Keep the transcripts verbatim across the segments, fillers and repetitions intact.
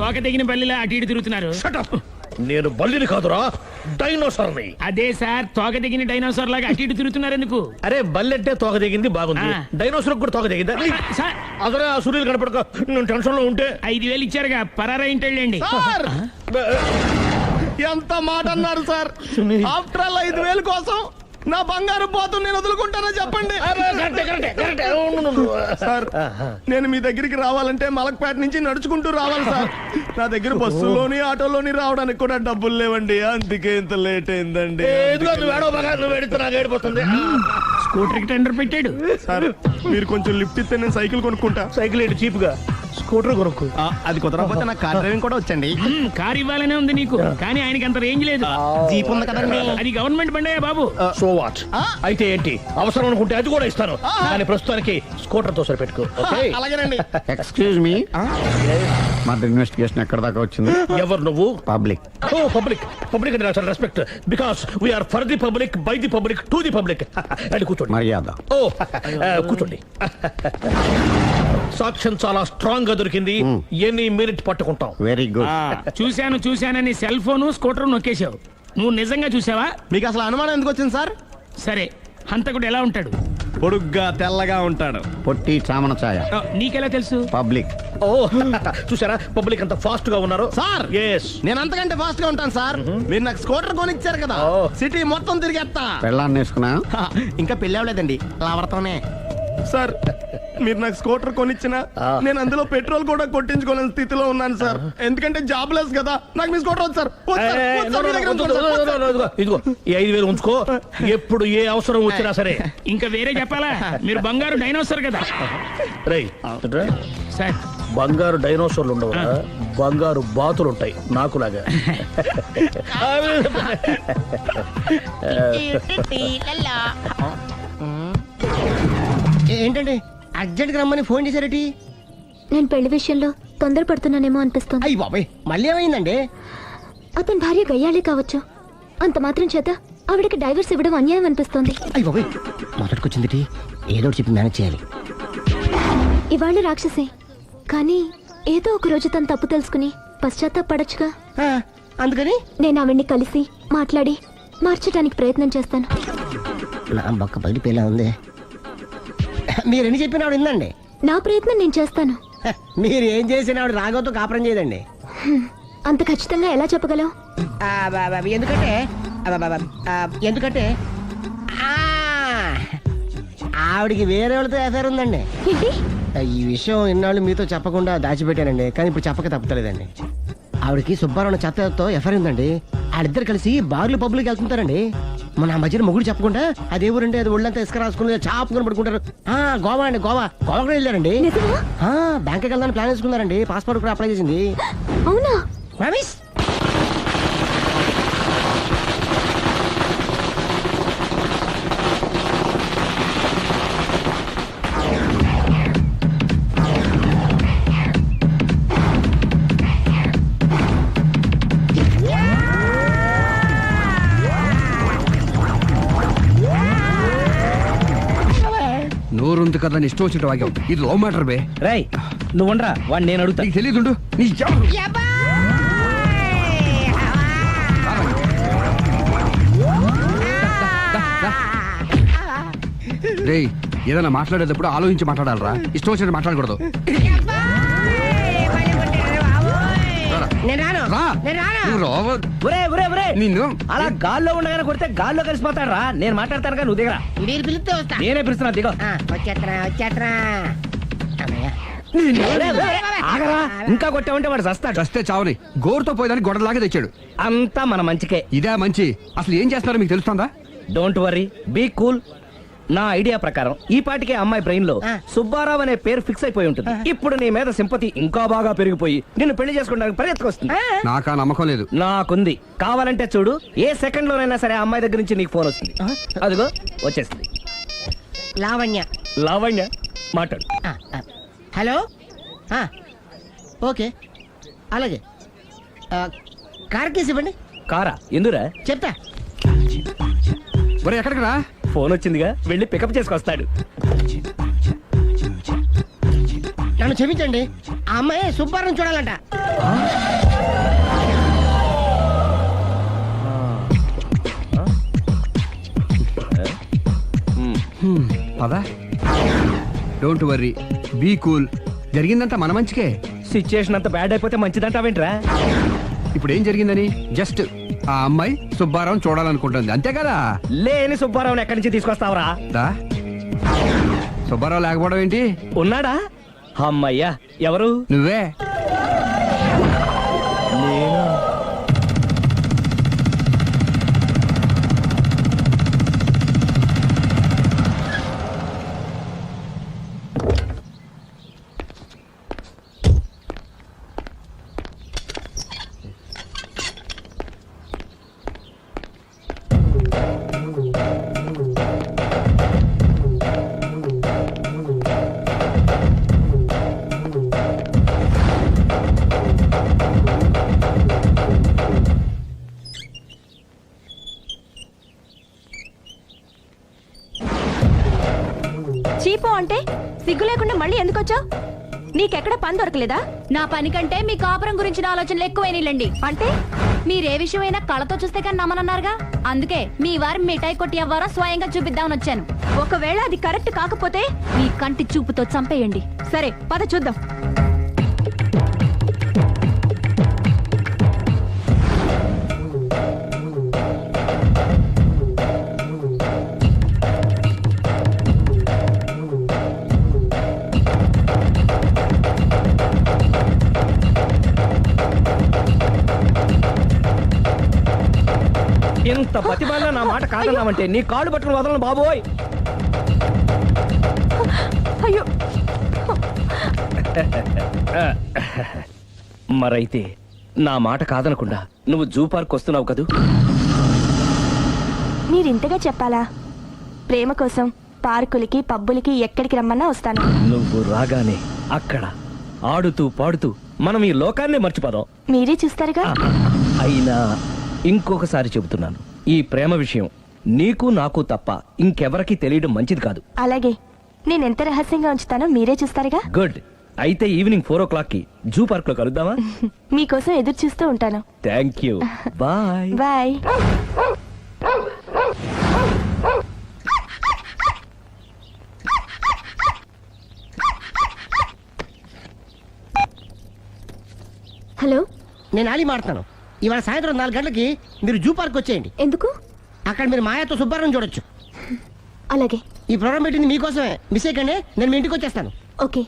తోక తెగిన బల్లిలా అటు ఇటు తిరుగుతున్నారు? నేను బల్లిని కాదురా, డైనోసార్ని. అదే సార్, తోక తెగిన డైనోసార్ లాగా అటు ఇటు తిరుగుతున్నారు ఎందుకు? అరే బల్లెట్టే తోక తెగింది బాగుంది, ఆ. డైనోసార్ కూడా తోక తెగిందా? సార్ అదరే ఆ సూర్యులు కనపడక నేను టెన్షన్ లో ఉంటే. ఐదు వేలు ఇచ్చారుగా, పరారా ఇంటండి. ఎంత మాట అన్నారు సార్? ఆఫ్టర్ ఆల్ ఐదు వేలు కోసం నా బంగారు పోతు నేను వదులుకుంటానా చెప్పండి సార్. నేను మీ దగ్గరికి రావాలంటే మలక్పేట నుంచి నడుచుకుంటూ రావాలి సార్. నా దగ్గర బస్సులోని ఆటోలోని రావడానికి కూడా డబ్బులు లేవండి, అందుకే ఇంత లేట్ అయిందండి. స్కూటర్ కి టెండర్ పెట్టాడు సార్. మీరు కొంచెం లిఫ్ట్ ఇస్తే నేను సైకిల్ కొనుక్కుంటా. సైకిల్ ఏంటి చీప్ గా, స్కూటర్ కొనుక్కు. అది కుదరకపోతే నాకు కార్ డ్రైవింగ్ కూడా వచ్చండి. కార్ ఇవ్వాలనే ఉంది నీకు, కానీ ఆయనకి అంత రేంజ్ లేదు. జీప్ ఉంది కదండి. అది గవర్నమెంట్ బండయా బాబు. So what? అయితే ఏంటి, అవసరం అనుకుంటే అది కూడా ఇస్తాను, కానీ ప్రస్తుతానికి స్కూటర్ తో సరిపెట్టుకో. అలాగేనండి. ఎక్స్క్యూజ్ మీ, మా ఇన్వెస్టిగేషన్ ఎక్కడ దాకా వచ్చింది? ఎవరు నువ్వు? పబ్లిక్. ఓ పబ్లిక్. పబ్లిక్ అంటే చాలా respect, because we are for the public, by the public, to the public. అది కూర్చోండి. మర్యాద. ఓ కూర్చోండి. సాక్ష్యం చాలా స్ట్రాంగ్ గా దొరికింది, ఎన్ని మినిట్ పట్టుకుంటాం. Very good. చూశాను చూశానని సెల్ ఫోను స్కూటర్ నొక్కేశావు. నువ్వు నిజంగా చూసావా? మీకు అసలు అనుమానం ఎందుకు వచ్చింది సార్? సరే, హంతకుడు ఎలా ఉంటాడు? పొడుగ్గా తెల్లగా ఉంటాడు. పొట్టి చామన ఛాయ. ఆ, నీకెలా తెలుసు? పబ్లిక్. ఓ చూసారా పబ్లిక్ అంత ఫాస్ట్ గా ఉన్నారు సార్. ఎస్, నేను అంతకంటే ఫాస్ట్ గా ఉంటాను సార్. మీరు నాకు స్కూటర్ కొనిచ్చారు కదా, సిటీ మొత్తం తిరిగేస్తా. పెళ్ళాన్ని వేసుకున్నా? ఇంకా పెళ్ళి అవ్వలేదండి, లావర్తోనే. సార్ మీరు నాకు స్కూటర్ కొనిచ్చిన నేను అందులో పెట్రోల్ కూడా కొట్టించుకోలేని స్థితిలో ఉన్నాను సార్. ఎందుకంటే జాబ్ లెస్ కదా, నాకు మీ స్కూటర్ వద్దు సార్. వద్దు సార్, వద్దు సార్, మీ దగ్గర ఉంచుకోండి సార్, వద్దు సార్. ఇదిగో ఇదిగో ఈ ఐదు వేలు ఉంచుకో, ఎప్పుడు ఏ అవసరం వచ్చినా సరే. ఇంకా వేరే చెప్పాలా? మీరు బంగారు డైనోసార్ కదా. రై సార్ బంగారు డైనోసార్లు ఉండవు, బంగారు బాతులు ఉంటాయి నాకులాగా. ఏంటండి అర్జెంట్ గా రమ్మని ఫోన్ చేశారటి? నేను పెళ్లి విషయంలో తొందరపడుతున్నానేమో అనిపిస్తుంది. అయ్యి బాబాయ్, మళ్ళీ ఏమైందండి? అతని భార్య గయ్యాళే కావచ్చు, అంత మాత్రం చేత ఆవిడకి డైవర్స్ ఇవ్వడం అన్యాయం అనిపిస్తోంది. అయ్యి బాబాయ్, మొదటికొచ్చింది ఏదో చెప్పి మేనేజ్ చేయాలి. ఇవాళ రాక్షసే, కానీ ఏదో ఒక రోజు తను తప్పు తెలుసుకుని పశ్చాత్తాపడొచ్చుగా. అందుకని నేను ఆవిడ్ని కలిసి మాట్లాడి మార్చడానికి ప్రయత్నం చేస్తాను. నా బొక్క బయటపేలా ఉంది. మీరు ఎన్ని చెప్పిన ఆవిడ ఉందండి. నా ప్రయత్నం నేను చేస్తాను. మీరు ఏం చేసిన ఆవిడ రాగోతో కాపురం చేయదండి. అంత ఖచ్చితంగా ఎలా చెప్పగలవు? ఎందుకంటే ఎందుకంటే ఆవిడికి వేరే వాళ్ళతో ఎఫైర్ ఉందండి. ఏంటి? ఈ విషయం ఇన్నాళ్ళు మీతో చెప్పకుండా దాచిపెట్టానండి, కానీ ఇప్పుడు చెప్పక తప్పుతలేదండి. ఆవిడకి సుబ్బారావు చెత్తతో ఎఫైర్ ఉందండి. వాళ్ళిద్దరు కలిసి బార్లు పబ్లిక్ వెళ్తుంటారండి. మన ఆ మధ్యన మొగుడు చెప్పకుండా అదే ఊరండి, అది ఒళ్ళంతా ఇసుక రాసుకుని చాపుకొని పడుకుంటారు. ఆ గోవా అండి, గోవా గోవా కూడా వెళ్ళారండి. బ్యాంక్కి వెళ్దాని ప్లాన్ వేసుకున్నారండి, పాస్పోర్ట్ కూడా అప్లై చేసింది. అవునా? రమేష్ నోరుంది కదా ఇష్టం వచ్చినట్టు వాక్యం. ఇది లవ్ మ్యాటర్ బే. రై నువ్వు ఉండరా, వాడిని నేను అడుగుతా. నీకు తెలియదు నీ రే, ఏదైనా మాట్లాడేటప్పుడు ఆలోచించి మాట్లాడాలరా, ఇష్టం వచ్చినట్టు మాట్లాడకూడదు. నిన్ను అలా గాల్లో ఉండగానే కొడితే గాల్లో కలిసిపోతాడు రా. నేను మాట్లాడతాను కానీ నువ్వు దిగరా. మీరు పిలిస్తే వస్తా. నేనే పిలుస్తున్నా, దిగో. వచ్చేత్తరా వచ్చేత్తరా. ఆగరా, ఇంకా కొట్టామంటే వాడు చస్తాడు. చస్తే చావని గోరుతో పోయేదాన్ని గొడవలాగా తెచ్చాడు. అంతా మన మంచికే. ఇదే మంచి. అసలు ఏం చేస్తున్నారో మీకు తెలుస్తుందా? Don't worry, be cool. నా ఐడియా ప్రకారం ఈ పాటికే అమ్మాయి బ్రెయిన్ లో సుబ్బారావు అనే పేరు ఫిక్స్ అయిపోయి ఉంటుంది. ఇప్పుడు నీ మీద సింపతి ఇంకా బాగా పెరిగిపోయి నిన్ను పెళ్లి చేసుకోవడానికి పరిగెత్తుకొస్తుంది. నాకా నమ్మకం లేదు. నాకుంది. కావాలంటే చూడు, ఏ సెకండ్ లోనైనా సరే అమ్మాయి దగ్గర నుంచి నీకు ఫోన్ వస్తుంది. అదిగో వచ్చేస్తుంది. లావణ్య. లావణ్య మాట్లాడు. హలో, ఓకే అలాగే. కార్ కేసు ఇవ్వండి. కారా? ఎందురా? చెప్తా. మరి ఎక్కడికి రా? ఫోన్ వచ్చిందిగా, వెళ్ళి పికప్ చేసుకొస్తాడు. నన్ను క్షమించండి, ఆ అమ్మాయి సుబ్బారావు చూడాలంట. పదా డోంట్ వర్రీ, బీ కూల్. జరిగిందంతా మన మంచికే. సిచ్యుయేషన్ అంత బ్యాడ్ అయిపోతే మంచిదంటావేంట్రా? ఇప్పుడు ఏం జరిగిందని జస్ట్ ఆ అమ్మాయి సుబ్బారావు చూడాలనుకుంటుంది, అంతే కదా. లేని సుబ్బారావుని ఎక్కడి నుంచి తీసుకొస్తావురా? దా. సుబ్బారావు లేకపోవడం ఏంటి? ఉన్నాడా? అమ్మయ్యా, ఎవరు? నువ్వే. చీపో అంటే సిగ్గు లేకుండా మళ్ళీ ఎందుకు వచ్చావు? నీకెక్కడ పని దొరకలేదా? నా పని కంటే మీ కాపురం గురించిన ఆలోచనలు ఎక్కువైనాయిలండి. అంటే మీరే విషయమైనా కళ్ళతో చూస్తే కానీ నమ్మనన్నారుగా, అందుకే మీ వారి మిఠాయి కొట్టి అవ్వారో స్వయంగా చూపిద్దామని వచ్చాను. ఒకవేళ అది కరెక్ట్ కాకపోతే మీ కంటి చూపుతో చంపేయండి. సరే పద చూద్దాం. ఇంత బతిమాలినా నా మాట కాదన్నావంటే నీ కాళ్ళు పట్టుకుని వదలను బాబోయ్. అయ్యో, మరైతే నా మాట కాదనకుండా నువ్వు జూ పార్క్ వస్తున్నావు కదూ? మీరింతగా చెప్పాలా? ప్రేమ కోసం పార్కులకి పబ్బులకి ఎక్కడికి రమ్మన్నా వస్తాను. నువ్వు రాగానే అక్కడ ఆడుతూ పాడుతూ మనం ఈ లోకాన్నే మర్చిపోదాం. మీరే చూస్తారుగా. అయినా ఇంకొకసారి చెబుతున్నాను, ఈ ప్రేమ విషయం నీకు నాకు తప్ప ఇంకెవరికి తెలియడం మంచిది కాదు. అలాగే, నేను ఎంత రహస్యంగా ఉంచుతానో మీరే చూస్తారుగా. గుడ్. అయితే ఈవినింగ్ ఫోర్ ఓ క్లాక్ కి జూ పార్క్ లో కలుద్దామా? మీకోసం ఎదురు చూస్తూ ఉంటాను. Thank you. Bye bye. Hello, నేను ఆలి మాడతాను. ఇవాళ సాయంత్రం నాలుగు గంటలకి మీరు జూ పార్క్ వచ్చేయండి. ఎందుకు? అక్కడ మీరు మాయాతో సుబ్బారావు చూడొచ్చు. అలాగే. ఈ ప్రోగ్రామ్ పెట్టింది మీకోసమే. మిస్ అయ్యకండి, నేను మీ ఇంటికి వచ్చేస్తాను. ఓకే.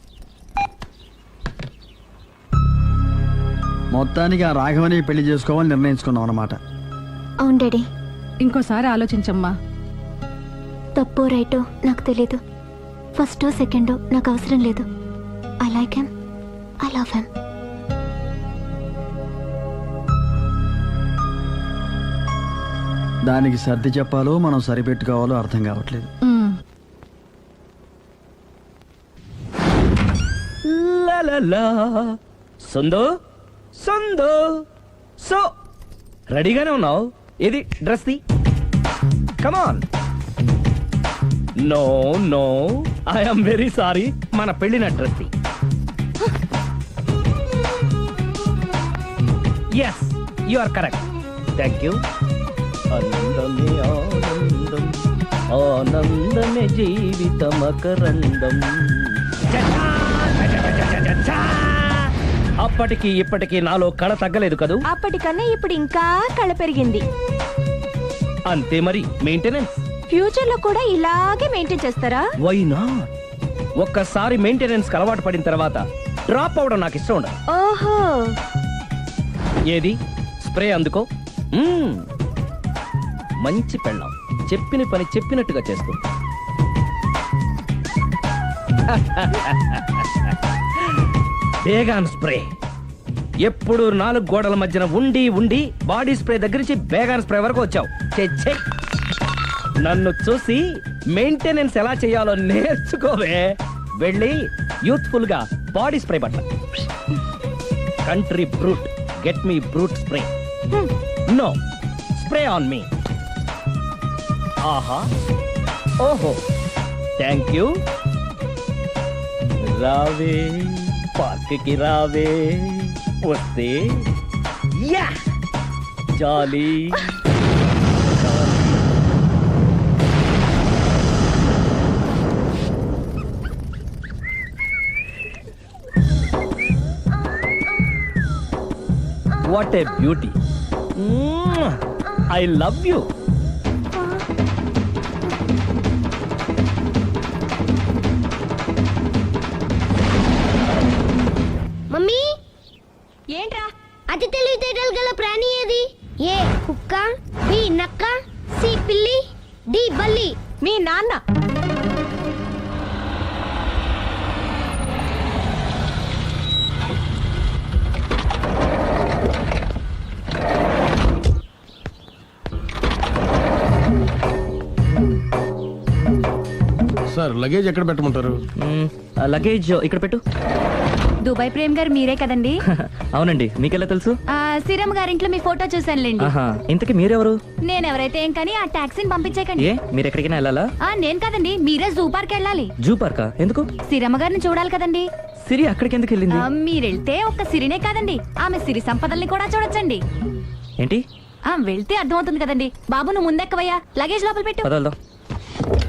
మొత్తానికి ఆ రాఘవని పెళ్లి చేసుకోవాలని నిర్ణయించుకున్నాం అన్నమాట. అవును డాడీ. ఇంకోసారి ఆలోచించమ్మా. తప్పో రైటో నాకు తెలీదు. ఫస్టో సెకండో నాకు అవసరం లేదు. I like him, I love him. దానికి సర్ది చెప్పాలో మనం సరిపెట్టుకోవాలో అర్థం కావట్లేదు. లలలా. సందో సందో సో రెడీగానే ఉన్నావు? ఇది డ్రెస్ ది. Come on. No no, I'm very sorry. మన పెళ్ళిన డ్రెస్ ది. Yes, you are correct. Thank you. ఆనందమే ఆనందం, ఆనందమే జీవితమకరందం. అప్పటికి ఇప్పటికి నాలో కళ తగ్గలేదు కదూ? అప్పటికన్నా ఇప్పుడు ఇంకా కళ పెరిగింది. అంతే మరి. మెయింటెనెన్స్ ఫ్యూచర్ లో కూడా ఇలాగే మెయింటైన్ చేస్తారా? Why not? ఒక్కసారి మెయింటెనెన్స్ అలవాటు పడిన తర్వాత డ్రాప్ అవడం నాకు ఇష్టం ఉండదు. ఓహో. ఏది స్ప్రే అందుకో. మ్మ్. మంచి పెళ్ళాం, చెప్పిన పని చెప్పినట్టుగా చేస్తూ. Baygon spray. ఎప్పుడు నాలుగు గోడల మధ్యన ఉండి ఉండి బాడీ స్ప్రే దగ్గర నుంచి బేగాన్ స్ప్రే వరకు వచ్చావు. ఛే, ఛే. నన్ను చూసి మెయింటెనెన్స్ ఎలా చేయాలో నేర్చుకోవే. వెళ్ళి యూత్ఫుల్ గా బాడీ స్ప్రే పట్ల. Country Brut, get me Brut spray. No, spray on me. ఆహా, ఓహో, థ్యాంక్ యూ. రావే పార్క్ కి రావే వస్తే యా jolly what a beauty I love you mummy ఏంట్రా అతి తెలివితేటలు గల ప్రాణి ఏది? ఏ కుక్క, బి నక్క, సి పిల్లి, డి బల్లి. మీ నాన్న. సార్ లగేజ్ ఎక్కడ పెట్టమంటారు? లగేజ్ ఇక్కడ పెట్టు. దుబాయ్ ప్రేమ్ గారు మీరే కదండి? అవునండి, మీకెలా తెలుసు? ఆ, శ్రీరామ్ గారింట్లో మీ ఫోటో చూసానులేండి. ఆహా, ఇంతకీ మీరెవరు? నేను ఎవరైతే ఏం కానీ ఆ టాక్సీని పంపించేకండి. ఏ మీరు ఎక్కడికైనా వెళ్ళాలా? ఆ, నేను కదండి, మీరే జూ పార్క్ వెళ్ళాలి. జూ పార్కా? ఎందుకు? శ్రీరమ్మ గారిని చూడాలి కదండి. సిరి అక్కడికి ఎందుకు వెళ్ళింది? ఆ, మీరెళ్తే ఒక్క సిరినే కాదండి, ఆమె సిరి సంపదల్ని కూడా చూడొచ్చండి. ఏంటి? ఆ, వెళ్తే అర్థమవుతుంది కదండి. బాబు నువ్వు ముందెక్కవయ్యా, లగేజ్ లోపల పెట్టు. పదవల్దాం.